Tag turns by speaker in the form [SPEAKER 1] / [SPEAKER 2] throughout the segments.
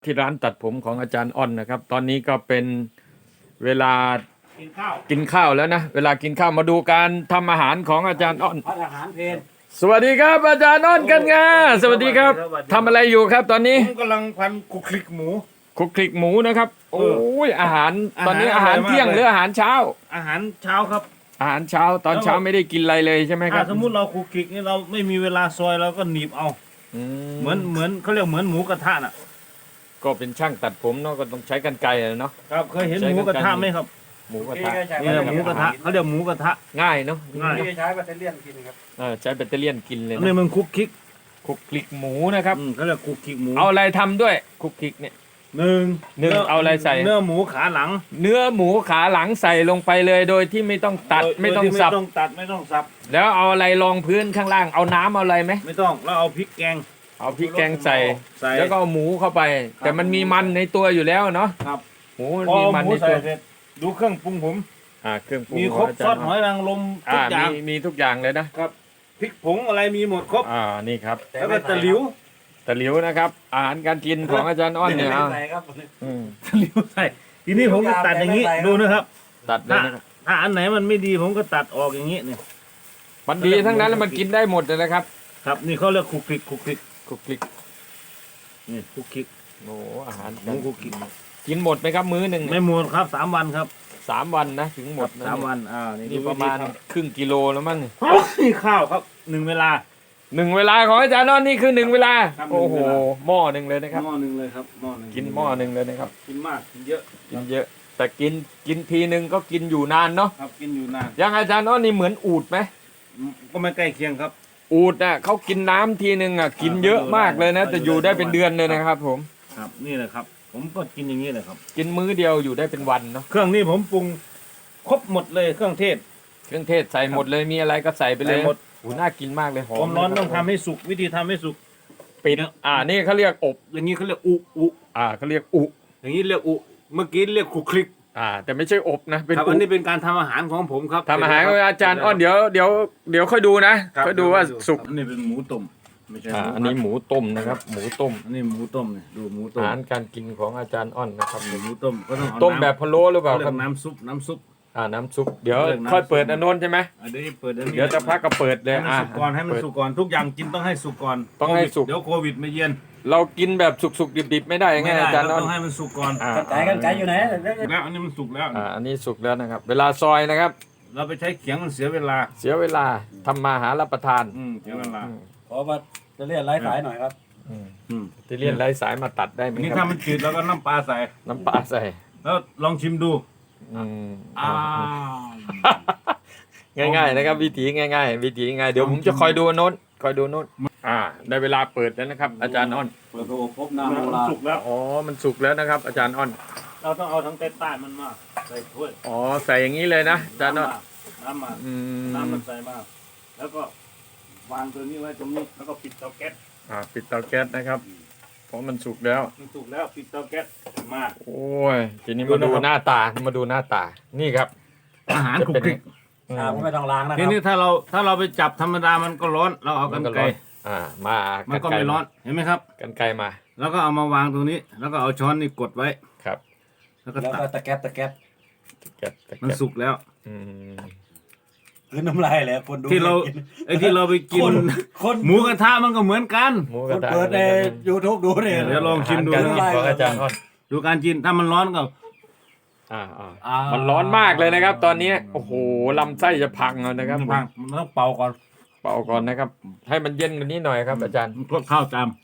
[SPEAKER 1] ที่ร้านตัดผมของอาจารย์อ้อนนะครับ ตอนนี้ก็เป็นเวลากินข้าวแล้วนะเวลากินข้าวมาดูการทำอาหารของอาจารย์อ้อน
[SPEAKER 2] พัฒอาหารเพล
[SPEAKER 1] สวัสดีครับอาจารย์อ้อนกันงาสวัสดีครับทำอะไรอยู่ครับตอนนี้
[SPEAKER 3] ผมกำลังพันคุกคลิกหมู
[SPEAKER 1] คลุกคลิกหมูนะครับโอ้ยอาหารตอนนี้อาหาร
[SPEAKER 3] อาหาร
[SPEAKER 1] เที่ยง
[SPEAKER 3] อร่อยมากเลย
[SPEAKER 1] หรืออาหารเช้า
[SPEAKER 3] อาหารเช้าครับ
[SPEAKER 1] อาหารเช้าตอนเช้าไม่ได้กินอะไรเลยใช่ไหมค
[SPEAKER 3] ถ้า
[SPEAKER 1] รับ
[SPEAKER 3] สมมุติเราคุกคลิกนี่เราไม่มีเวลาซอยเราก็หนีบเอา เหมือนเขาเรียกเหมือนหมูกระทะน่ะ
[SPEAKER 1] ก็เป็นช่างตัดผมเนาะก็ต้องใช้กรรไกรอะเนาะ
[SPEAKER 3] ครับเคยเห็นหมูกระทะไหมครับ
[SPEAKER 1] หมูกระทะ
[SPEAKER 3] นี่แหละหมูกระทะเขาเรียกหมูกระทะ
[SPEAKER 1] ง่ายเนาะ
[SPEAKER 3] ง่าย
[SPEAKER 2] ที่ใช้แบตเตอรี่กินครับ
[SPEAKER 1] ใช้แบตเตอรี่ยนกินเลย
[SPEAKER 3] อันนี้
[SPEAKER 1] นะ
[SPEAKER 3] มันคุกคลิก
[SPEAKER 1] คลุกคลิกหมูนะครับ
[SPEAKER 3] เขาเรียกคุกคลิกหมู
[SPEAKER 1] เอาอะไรทำด้วยคลุกคลิกเนี่ย
[SPEAKER 3] หนึ่ง
[SPEAKER 1] เอาอะไรใส่
[SPEAKER 3] เนื้อหมูขาหลัง
[SPEAKER 1] เนื้อหมูขาหลังใส่ลงไปเลยโดยที่ไม่ต้องตัด
[SPEAKER 3] โย
[SPEAKER 1] ไม่ต้อง
[SPEAKER 3] โยที่
[SPEAKER 1] สับ
[SPEAKER 3] ไม่ต้องตัดไม่ต้องสับ
[SPEAKER 1] แล้วเอาอะไรรองพื้นข้างล่างเอาน้ำเอาอะไรไหม
[SPEAKER 3] ไม่ต้องแล้วเอาพริกแกง
[SPEAKER 1] เอาพริกแกงใส่
[SPEAKER 3] ใส่
[SPEAKER 1] แล้วก็เอาหมูเข้าไป แต่มันมีมันในตัวอยู่แล้วเนาะ
[SPEAKER 3] ครับ
[SPEAKER 1] หมูมัน
[SPEAKER 3] พอ
[SPEAKER 1] มีมัน
[SPEAKER 3] หมู
[SPEAKER 1] ใน
[SPEAKER 3] ใส่
[SPEAKER 1] ตัว
[SPEAKER 3] เสร็จดูเครื่องปรุงผม
[SPEAKER 1] เครื่องปรุง
[SPEAKER 3] มีครบ
[SPEAKER 1] ของา
[SPEAKER 3] ซ
[SPEAKER 1] จา
[SPEAKER 3] อ
[SPEAKER 1] ร
[SPEAKER 3] ส
[SPEAKER 1] ย์
[SPEAKER 3] หอยนางรมทุกอย่าง
[SPEAKER 1] มีทุกอย่างเลยนะ
[SPEAKER 3] ครับพริกผงอะไรมีหมดครบ
[SPEAKER 1] นี่ครับ
[SPEAKER 3] แล้วก็ตะหลิว
[SPEAKER 1] ตะหลิวนะครับ อาหารการกินของอาจารย์อ้อนเนี่ย
[SPEAKER 2] ไม่
[SPEAKER 1] เอา
[SPEAKER 2] ใส่ครับ
[SPEAKER 1] อืม
[SPEAKER 3] ตะหลิวใส่ทีนี้ผมก็ตัดอย่างนี้ดูนะครับ
[SPEAKER 1] ตัดเลยนะครับ
[SPEAKER 3] ถ้าอันไหนมันไม่ดีผมก็ตัดออกอย่างนี้เนี่ย
[SPEAKER 1] มันดีทั้งนั้นแล้วมันกินได้หมดเลยนะครับ
[SPEAKER 3] ครับนี่เขาเรียกคุกคลิกคุกคลิก
[SPEAKER 1] คลุกคลิก
[SPEAKER 3] นี่คุกคลิก
[SPEAKER 1] โอ้อาหาร
[SPEAKER 3] หมูคลุกคลิก
[SPEAKER 1] กินหมดไหมครับมื้อหนึ่ง
[SPEAKER 3] ไม่หมดครับ3 วันครับ
[SPEAKER 1] 3 วันนะถึงหมดนะ
[SPEAKER 3] 3 วัน
[SPEAKER 1] นี่
[SPEAKER 3] ดู
[SPEAKER 1] ประมาณ
[SPEAKER 3] วิธี
[SPEAKER 1] ครึ่งกิโลแล้วมั้ง
[SPEAKER 3] ทำนี่ข้าวครับ1 เวลา
[SPEAKER 1] 1 เวลาของอาจารย์อ้อนนี่คือ1 เวลา
[SPEAKER 3] ครับ
[SPEAKER 1] โอ้โห
[SPEAKER 3] 1 เวลา
[SPEAKER 1] หม้อหนึ่งเลยนะครับ
[SPEAKER 3] หม้อหนึ่งเลยครับหม้อหนึ่ง
[SPEAKER 1] กินหม้อหนึ่งเลยนะครับ
[SPEAKER 3] กินมากกินเยอะ
[SPEAKER 1] กินเยอะ แต่กินทีหนึ่งก็กินอยู่นานเนาะ
[SPEAKER 3] ครับกินอยู่นาน
[SPEAKER 1] อยังอาจารย์อ้อนนี่เหมือนอูฐไหม
[SPEAKER 3] ก็ไม่ใกล้เคียงครับ
[SPEAKER 1] อูฐน่ะเขากินน้ำทีหนึ่งอ่ะกินเยอะมากเลยนะ แต่อยู่ได้เป็นเดือนเลยนะครับ ผม
[SPEAKER 3] ครับนี่แหละครับ ผมก็กินอย่างนี้แหละครับ
[SPEAKER 1] กินมื้อเดียวอยู่ได้เป็นวันเนาะ
[SPEAKER 3] เครื่องนี้ผมปรุงครบหมดเลยเครื่องเทศ
[SPEAKER 1] เครื่องเทศใส่หมดเลยมีอะไรก็ใส่ไปเลย
[SPEAKER 3] ใส่หมด
[SPEAKER 1] โอ้น่ากินมากเลยหอ
[SPEAKER 3] ความมร้อนต้อง
[SPEAKER 1] คบ
[SPEAKER 3] ทำให้สุกวิธีทำให้สุก
[SPEAKER 1] ปิดนี่เขาเรียกอบ
[SPEAKER 3] อย่างนี้เขาเรียกอุ
[SPEAKER 1] เขาเรียกอุ
[SPEAKER 3] อย่างนี้เรียกอุเมื่อกี้เรียกคุกคลิก
[SPEAKER 1] แต่ไม่ใช่อบนะเป็น
[SPEAKER 3] ครับ
[SPEAKER 1] อุ
[SPEAKER 3] อันนี้เป็นการทำอาหารของผมครับ
[SPEAKER 1] ทำอาหารกับอาจารย์อ้อนเดี๋ยวค่อยดูนะ
[SPEAKER 3] ครับ
[SPEAKER 1] ค่อยดูว่าสุก
[SPEAKER 3] อันนี้เป็นหมูต้มไม่ใช่
[SPEAKER 1] อันนี้หมูต้มนะครับ หมูต้ม
[SPEAKER 3] อันนี้หมูต้มเนี่ยดูหมูต้
[SPEAKER 1] อาม หารการกินของอาจารย์อ้อนนะครับ
[SPEAKER 3] หมูต้มก็ต้องเอา
[SPEAKER 1] ต้มแบบพะโล้หรือเปล่า
[SPEAKER 3] เขาเรี
[SPEAKER 1] ค
[SPEAKER 3] ย
[SPEAKER 1] รับ
[SPEAKER 3] กน้ำซุปน้ำซุป
[SPEAKER 1] น้ำซุปเดี๋ยว
[SPEAKER 3] เรียกน้ำ
[SPEAKER 1] ค่อยเปิด
[SPEAKER 3] ซุป
[SPEAKER 1] อันโน้นใช่ไหม
[SPEAKER 3] อันนี้เปิดอันนี้
[SPEAKER 1] เดี๋ยวจะพักก็เปิดเลย
[SPEAKER 3] ให้มันสุกก่อนให้มันสุกก่อนทุกอย่างกินต้องให้สุกก่อน
[SPEAKER 1] ต้องให้สุก
[SPEAKER 3] เดี๋ยวโควิดมาเยือน
[SPEAKER 1] เรากินแบบสุกๆดิบๆไม่ได้ไง
[SPEAKER 3] ไม่ได้
[SPEAKER 1] อาจารย์
[SPEAKER 3] เรา
[SPEAKER 1] อ้อน
[SPEAKER 3] ต้องให้มันสุกก่อน
[SPEAKER 2] กันไก่อยู่ไหน
[SPEAKER 3] แล้วอันนี้มันสุกแล้ว
[SPEAKER 1] อันนี้สุกแล้วนะครับ เวลาซอยนะครับ
[SPEAKER 3] เราไปใช้เขียงมันเสียเวลา
[SPEAKER 1] เสียเวลาทำมาหารับประทาน
[SPEAKER 3] เสียเวลา
[SPEAKER 2] ขอมาจะเรียกไร้สายหน่อยครับ
[SPEAKER 1] ที่เลียนไร้สายมาตัดได้ไหม
[SPEAKER 3] อันนี้
[SPEAKER 1] ค
[SPEAKER 3] ถ้า
[SPEAKER 1] รับ
[SPEAKER 3] มันจืดแล้วก็น้ำปลาใส่
[SPEAKER 1] น้ำปลาใส่
[SPEAKER 3] แล้วลองชิมดู
[SPEAKER 1] อืมง่ายๆนะครับ วิธีง่ายๆวิธีง่ายเดี๋ยวผมจะคอยดูโน้นคอยดูโน้นได้เวลาเปิดแล้วนะครับ อาจารย์อ้อน
[SPEAKER 2] เปิดโอบพบน้ำโบราณ
[SPEAKER 3] สุกแล้ว
[SPEAKER 1] อ๋อมันสุกแล้วนะครับ อาจารย์อ้อน
[SPEAKER 3] เราต้องเอาทั้งใต้ๆมันมาใส่ถ้วย
[SPEAKER 1] อ๋อใส่อย่างนี้เลยนะอาจารย์อ้อน
[SPEAKER 3] น้ำมา
[SPEAKER 1] อืม
[SPEAKER 3] น้ำมันใส่มาแล้วก็วางตัวนี้ไว้ตรงนี้แล้วก็ปิดเตาแก๊ส
[SPEAKER 1] ปิดเตาแก๊สนะครับ เพราะมันสุกแล้ว
[SPEAKER 3] มันสุกแล้วปิดเตาแก๊สมา
[SPEAKER 1] โอ้ยทีนี้มาดูหน้าตามาดูหน้าตานี่ครับ
[SPEAKER 3] อาหารคลุกคลิก
[SPEAKER 2] ก็ไม่ต้องล้างนะค
[SPEAKER 3] ที
[SPEAKER 2] รับ
[SPEAKER 3] นี้ถ้าเราไปจับธรรมดามันก็ร้อนเราเอากันไกล
[SPEAKER 1] มา
[SPEAKER 3] มันก็ไม่ร้อนเห็นไหมครับ
[SPEAKER 1] กันไกลมา
[SPEAKER 3] แล้วก็เอามาวางตรงนี้ แล้วก็เอาช้อนนี่กดไว้
[SPEAKER 1] ครับ
[SPEAKER 3] แล้วก็
[SPEAKER 2] แล้ว
[SPEAKER 3] ตั
[SPEAKER 2] ก็
[SPEAKER 3] ด
[SPEAKER 2] ตะแก๊บ
[SPEAKER 1] ตะแก๊ส
[SPEAKER 3] มันสุกแล้ว
[SPEAKER 1] อืม
[SPEAKER 2] คือน้ำลายเลยคนดู
[SPEAKER 3] ที่เราไอ้ที่เราไปกิน
[SPEAKER 2] คน
[SPEAKER 3] หมูกระทะมันก็เหมือนกัน
[SPEAKER 1] หมู
[SPEAKER 2] ค
[SPEAKER 1] กระ
[SPEAKER 2] น
[SPEAKER 1] ทะ
[SPEAKER 2] เปิดในยูทูบดูเนี่ย
[SPEAKER 3] เดี๋ยวลองชิมดู
[SPEAKER 1] การกินของอาจารย์อ้อน
[SPEAKER 3] ดูการกินถ้ามันร้อนก็
[SPEAKER 1] มันร้อนมากเลยนะครับ ตอนนี้โอ้โหลำไส้จะพังแล้วนะครับ
[SPEAKER 3] พังมันต้องเป่าก่อน
[SPEAKER 1] เป่าก่อนนะครับ ให้มันเย็นกว่านี้หน่อยครับ อาจารย์
[SPEAKER 3] มันคลุกข้าวจาม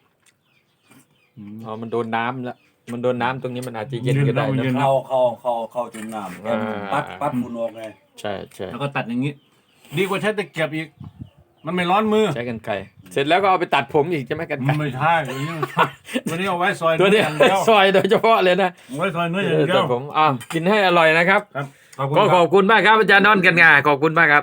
[SPEAKER 1] มันโดนน้ำแล้วมันโดนน้ำตรงนี้มันอาจจะเย็นก็ได้นะ
[SPEAKER 2] เข้าจุ่มน้ำ
[SPEAKER 1] อ่า
[SPEAKER 2] ปัดฝุ่นออกไง
[SPEAKER 1] ใช่ใช่
[SPEAKER 3] แล้วก็ตัดอย่างนี้ ดีกว่าใช้ตะเกียบอีก มันไม่ร้อนมือ
[SPEAKER 1] ใช้กันไกรเสร็จแล้วก็เอาไปตัดผมอีกใช่ไหมกันไกร
[SPEAKER 3] ไม่ใช่ตัวนี้ไม่ใช่ตัวนี้เอาไว้ซอย
[SPEAKER 1] ตัว
[SPEAKER 3] เนื้
[SPEAKER 1] นี้
[SPEAKER 3] ออย่างเดียว
[SPEAKER 1] ซอยโดยเฉพาะเลยนะ
[SPEAKER 3] เอาไว้ซอยเนื้ออย่างเดีย
[SPEAKER 1] แต่
[SPEAKER 3] ว
[SPEAKER 1] ผมกินให้อร่อยนะครับ
[SPEAKER 3] ครับขอบคุณ
[SPEAKER 1] ก็
[SPEAKER 3] ค
[SPEAKER 1] ข
[SPEAKER 3] รั
[SPEAKER 1] อบ บคุณมากครับอาจารย์นอนกันงาขอบคุณมากครับ